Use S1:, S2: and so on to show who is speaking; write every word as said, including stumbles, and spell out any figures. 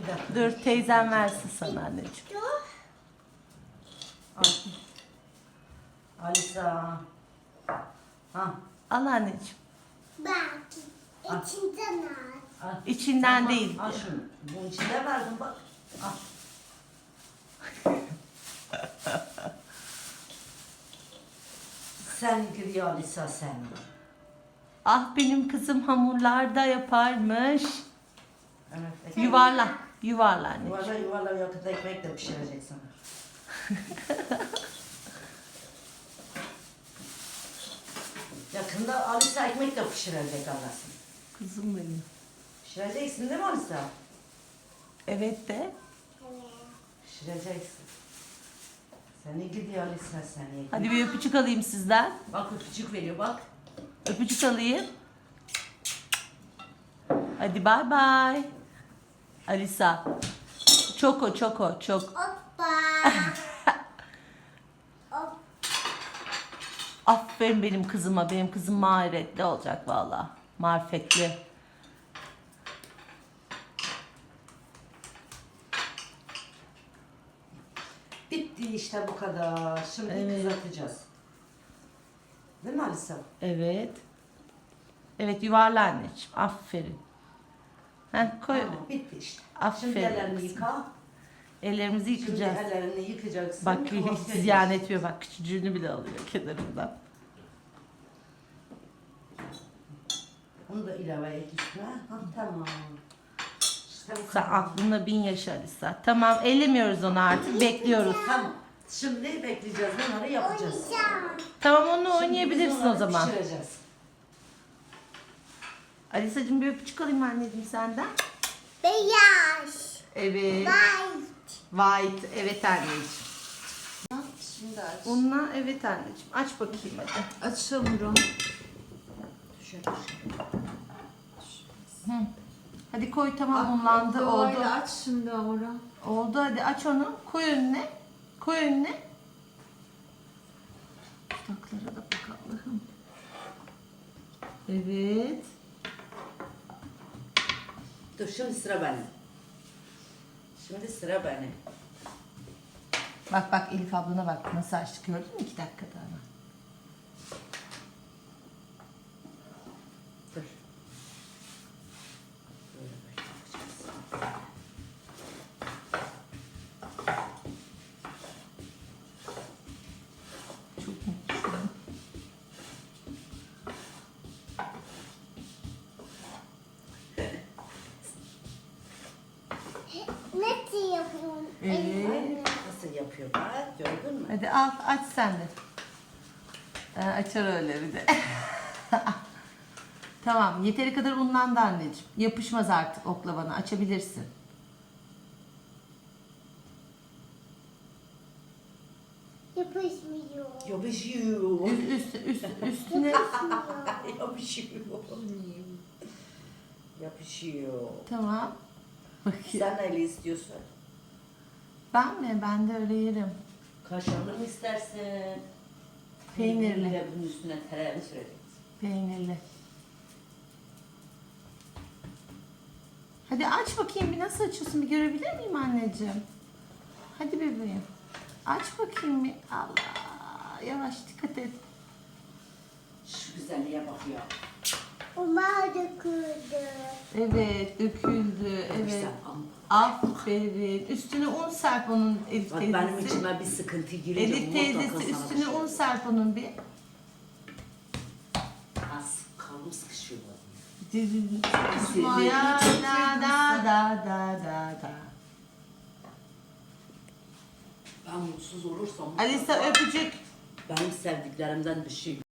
S1: Bir dakika.
S2: Dur teyzem versin sana anneciğim.
S1: Al. Alisa. Ha.
S2: Al anneciğim.
S3: Belki içinden al.
S1: Al.
S2: İçinden
S1: Al,
S2: değil.
S1: Al şunu. Bunun içinde verdim bak. Al. Sen gidiyor Alisa sen.
S2: Ah benim kızım hamurlar da yaparmış.
S1: Evet.
S2: Yuvarla. Yuvarla anne.
S1: Yuvarla yuvarla yakında ekmek de pişirecek sana. Yakında Alisa ekmek de pişirecek Allah'sın.
S2: Kızım benim.
S1: Pişireceksin değil mi Alisa?
S2: Evet de.
S1: Pişireceksin. Seni gidiyor Alisa seni.
S2: Hadi bir öpücük alayım sizden.
S1: Bak öpücük veriyor bak.
S2: Öpücük alayım. Hadi bay bay. Alisa. Çoko çoko çok.
S3: Hoppa. Hop.
S2: Aferin benim kızıma. Benim kızım maharetli olacak valla. Marifetli.
S1: Bitti işte bu kadar. Şimdi
S2: Evet.
S1: kızartacağız. Değil mi Alisa?
S2: Evet. Evet yuvarla anneciğim. Aferin. Heh, koy.
S1: Tamam, bitti işte.
S2: Aferin
S1: Şimdi ellerini
S2: kızım.
S1: yıka.
S2: Ellerimizi
S1: Şimdi
S2: yıkayacağız.
S1: ellerini yıkacaksın.
S2: Bak
S1: Tamam,
S2: hiç ziyan etmiyor. Bak küçücüğünü bile alıyor kenarından.
S1: Bunu da ilave et üstüne. Ha, tamam. İşte bu
S2: Sen
S1: kadar.
S2: aklında bin yaşa Alisa. Tamam ellemiyoruz onu artık. Bekliyoruz.
S1: Tamam. Şimdi bekleyeceğiz. Bunları yapacağız.
S3: Oynayacağım.
S2: Tamam onu
S1: Şimdi
S2: oynayabilirsin
S1: biz
S2: o
S1: onları
S2: zaman.
S1: Pişireceğiz.
S2: Alisa'cığım bir öpücük alayım anneciğim senden.
S3: Beyaz.
S2: Evet.
S3: White.
S2: White. Evet anneciğim.
S4: Şimdi aç.
S2: Bununla evet anneciğim. Aç bakayım hadi.
S4: Aç hamuru.
S1: Şöyle.
S2: Hı. Hadi koy tamam unlandı oldu.
S4: Oklavayla aç şimdi hamuru.
S2: Oldu hadi aç onu. Koy önüne. Koy önüne. Dudaklara da bak Allah'ım. Evet.
S1: Dur şimdi sıra benim. Şimdi sıra benim.
S2: Bak bak Elif ablana bak nasıl açtık gördün mü iki dakikada ama.
S1: Dur. Böyle başlayacağız.
S2: Çok mutluyum.
S3: Nasıl yapıyorum?
S2: Evet.
S1: Nasıl yapıyor bak gördün mü?
S2: Hadi al aç sen de. Ee, açar öyle bir de. Tamam yeteri kadar unlandı anneciğim. Yapışmaz artık oklavana açabilirsin.
S3: Yapışmıyor.
S1: Yapışıyor.
S2: Üst, üst, üst, üstüne.
S1: Yapışıyor. Yapışıyor.
S2: Tamam. Bakayım.
S1: Sen neyle istiyorsun?
S2: Ben mi? Ben de öyle yerim.
S1: Kaşarlı mı istersin?
S2: Peynirli.
S1: Bir de bunun üstüne tereyağı süreceksin.
S2: Peynirli. Hadi aç bakayım bir nasıl açıyorsun bir görebilir miyim anneciğim? Hadi bebeğim. Aç bakayım bir. Allah. Yavaş dikkat et.
S1: Şu güzelliğe bak ya.
S3: Umar döküldü.
S2: Evet döküldü. Evet.
S1: Güzel ama.
S2: Aferin. Üstüne un serp onun Elif
S1: Bak
S2: teyzesi.
S1: benim içime bir sıkıntı girince
S2: Elif
S1: mutlaka
S2: teyzesi
S1: sana bir
S2: üstüne
S1: şey
S2: un
S1: olur.
S2: serp onun bir.
S1: Az kalın sıkışıyor.
S2: Ya da da da da da da.
S1: Ben mutsuz olursam
S2: Alisa öpücük.
S1: benim sevdiklerimden bir şey